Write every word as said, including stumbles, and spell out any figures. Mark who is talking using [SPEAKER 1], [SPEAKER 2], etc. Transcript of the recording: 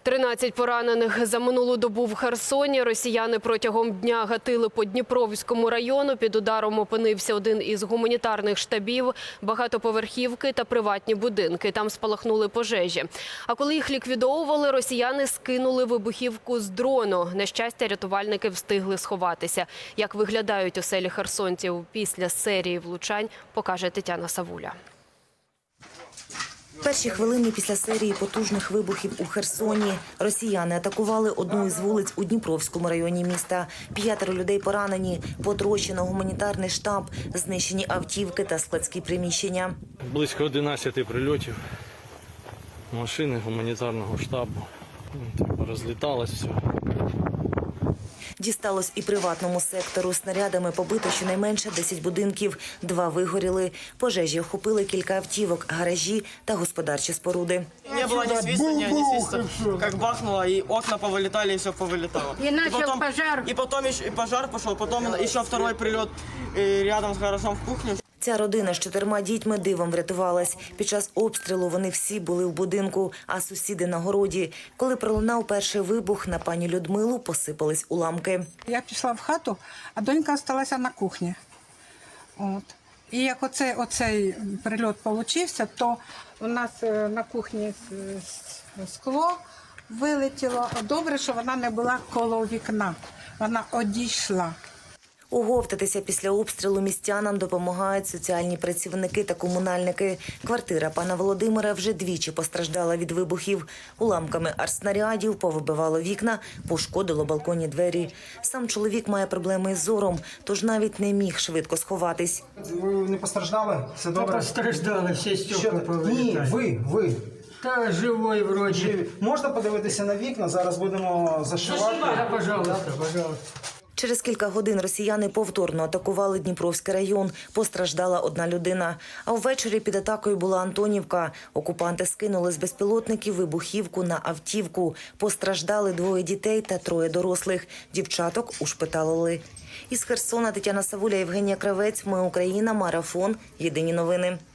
[SPEAKER 1] тринадцять поранених за минулу добу в Херсоні. Росіяни протягом дня гатили по Дніпровському району. Під ударом опинився один із гуманітарних штабів, багатоповерхівки та приватні будинки. Там спалахнули пожежі. А коли їх ліквідовували, росіяни скинули вибухівку з дрону. На щастя, рятувальники встигли сховатися. Як виглядають оселі херсонців після серії влучань, покаже Тетяна Савуля.
[SPEAKER 2] Перші хвилини після серії потужних вибухів у Херсоні. Росіяни атакували одну із вулиць у Дніпровському районі міста. П'ятеро людей поранені, потрощено гуманітарний штаб, знищені автівки та складські приміщення.
[SPEAKER 3] Близько одинадцяти прильотів, машини гуманітарного штабу. Розліталось все.
[SPEAKER 2] Дісталось і приватному сектору. Снарядами побито щонайменше десять будинків, два вигоріли. Пожежі охопили кілька автівок, гаражі та господарчі споруди.
[SPEAKER 4] Не було ні свистання, ні свиста. Як бахнуло, і окна повилітали, і все повилітало.
[SPEAKER 5] І почав пожар.
[SPEAKER 4] І потім і пожар пішов, потім ще другий прильот рядом з гаражом в кухню.
[SPEAKER 2] Ця родина з чотирма дітьми дивом врятувалась. Під час обстрілу вони всі були в будинку, а сусіди на городі. Коли пролунав перший вибух, на пані Людмилу посипались уламки.
[SPEAKER 5] Я пішла в хату, а донька залишилася на кухні. От. І як оцей, оцей прильот получився, то у нас на кухні скло вилетіло. Добре, що вона не була коло вікна, вона одійшла.
[SPEAKER 2] Оговтатися після обстрілу містянам допомагають соціальні працівники та комунальники. Квартира пана Володимира вже двічі постраждала від вибухів. Уламками артснарядів повибивало вікна, пошкодило балконні двері. Сам чоловік має проблеми із зором, тож навіть не міг швидко сховатись.
[SPEAKER 6] Ви не постраждали? Все добре?
[SPEAKER 7] Та постраждали, всі стекла повилітали.
[SPEAKER 6] Ні, ви, ви.
[SPEAKER 7] Та живой вроді.
[SPEAKER 6] Живі. Можна подивитися на вікна? Зараз будемо зашивати.
[SPEAKER 7] Да, пожалуйста, пожалуйста.
[SPEAKER 2] Через кілька годин росіяни повторно атакували Дніпровський район. Постраждала одна людина. А ввечері під атакою була Антонівка. Окупанти скинули з безпілотників вибухівку на автівку. Постраждали двоє дітей та троє дорослих. Дівчаток ушпиталили. Із Херсона Тетяна Савуля, Євгенія Кравець. Ми Україна. Марафон. Єдині новини.